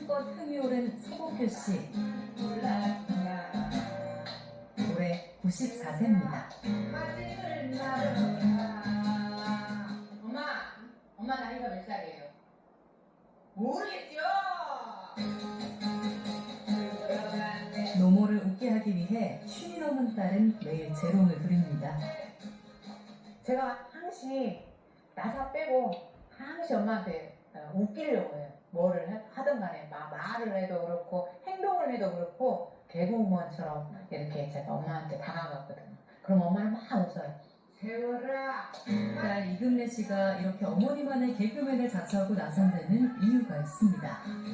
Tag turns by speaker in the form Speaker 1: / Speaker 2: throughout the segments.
Speaker 1: 마음껏 흥이 오른 서복규 씨. 올해 94세입니다.
Speaker 2: 엄마 나이가 몇 살이에요? 모르겠죠?
Speaker 1: 노모를 웃게 하기 위해 쉰이 넘은 딸은 매일 재롱을 부립니다.
Speaker 2: 제가 항시 나사 빼고 항시 엄마한테 웃기려고 해요. 뭐를 하든 간에 말을 해도 그렇고 행동을 해도 그렇고 개그우먼처럼 이렇게 제가 엄마한테 다가갔거든요. 그럼 엄마는 막 웃어요. 세월아.
Speaker 1: 딸 이금래 씨가 이렇게 어머니만의 개그맨을 자처하고 나선 데는 이유가 있습니다.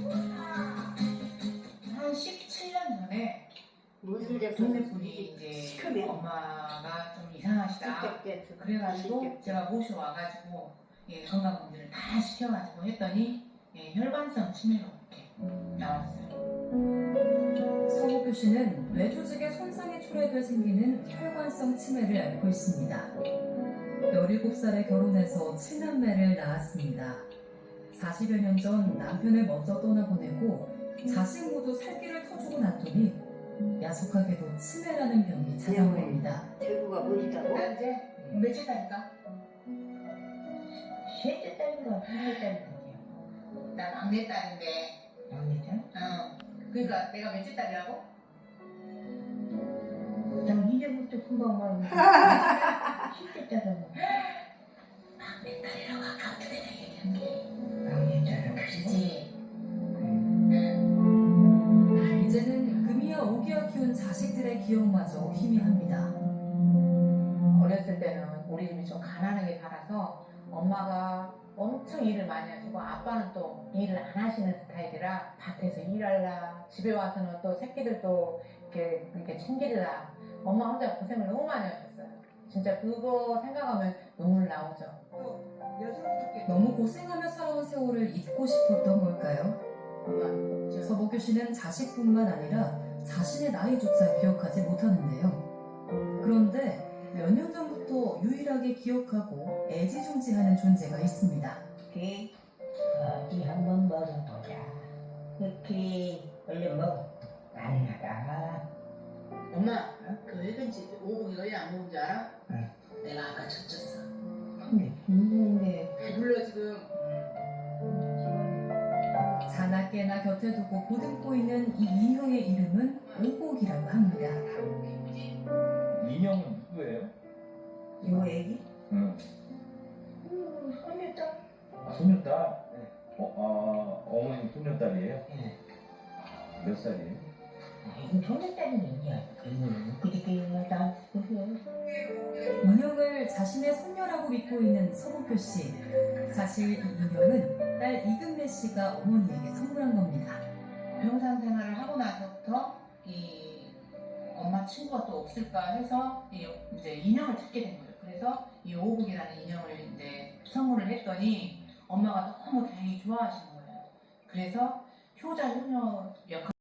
Speaker 2: 한 17년 전에
Speaker 3: 무슨 데
Speaker 2: 동네 분이 이제
Speaker 3: 시커매.
Speaker 2: 엄마가 좀 이상하시다. 그래가지고 제가 모시고 와가지고 건강검진을 다 시켜가지고 했더니 혈관성 치매로 이렇게 나왔어요.
Speaker 1: 서복규 씨는 뇌 조직의 손상이 초래돼 생기는 혈관성 치매를 앓고 있습니다. 17살에 결혼해서 7남매를 낳았습니다. 40여 년 전 남편을 먼저 떠나보내고 자식 모두 살길을 터주고 났더니 야속하게도 치매라는 병이 찾아온 겁니다.
Speaker 3: 대구가 뭐지다고?
Speaker 2: 나 이제 며칠 딸일까? 셋째 딸인가 둘째 딸인가? 나 막내 딸인데. 막내 딸? 그러니까 내가 몇째 딸이라고? 난 이제부터 금방 말하고 셋째 딸이라고. 막내 딸이라고 아까부터 내가 얘기한 게. 막내 딸은 그러지.
Speaker 1: 이제는 금이와 오기와 키운 자식들의 기억마저 희미합니다.
Speaker 2: 어렸을 때는 우리 집이 좀 가난하게 살아서 엄마가 엄청 일을 많이 하시고 아빠는 또 일을 안 하시는 스타일이라 밭에서 일하려 집에 와서는 또 새끼들도 이렇게 챙기려 엄마 혼자 고생을 너무 많이 하셨어요. 진짜 그거 생각하면 눈물 나오죠.
Speaker 1: 너무 고생하며 살아온 세월을 잊고 싶었던 걸까요?
Speaker 2: 엄마
Speaker 1: 서복규 씨는 자식뿐만 아니라 자신의 나이조차 기억하지 못하는데요. 그런데 몇 년 전부터 유일하게 기억하고 애지중지하는 존재가 있습니다.
Speaker 4: 어디 한번 먹어보자. 그렇게 얼른 먹어. 안 나가.
Speaker 2: 엄마 그 회근지 오복이 왜 안 먹은 줄 알아?
Speaker 4: 응.
Speaker 2: 내가 아까 젖혔어.
Speaker 4: 근데 굶는데.
Speaker 2: 배불러 지금.
Speaker 1: 자나깨나 곁에 두고 보듬고 있는 이 인형의 이름은 오복이라고 합니다.
Speaker 5: 인형은 누구예요?
Speaker 4: 요 애기?
Speaker 5: 응.
Speaker 4: 손녀딸.
Speaker 5: 아, 손녀딸? 어머님 손녀딸이에요?
Speaker 4: 예.
Speaker 5: 몇 살이에요?
Speaker 4: 아이고 손녀딸이 있냐? 그렇게 다 보세요.
Speaker 1: 인형을 자신의 손녀라고 믿고 있는 서복규 씨. 사실 이 인형은 딸 이금래 씨가 어머니에게 선물한 겁니다.
Speaker 2: 병상 생활을 하고 나서부터 이 엄마 친구가 또 없을까 해서 이제 인형을 찾게 된 거예요. 그래서 이 오복이라는 인형을 이제 선물을 했더니 엄마가 너무 다행히 좋아하시는 거예요. 그래서 효자 효녀 역할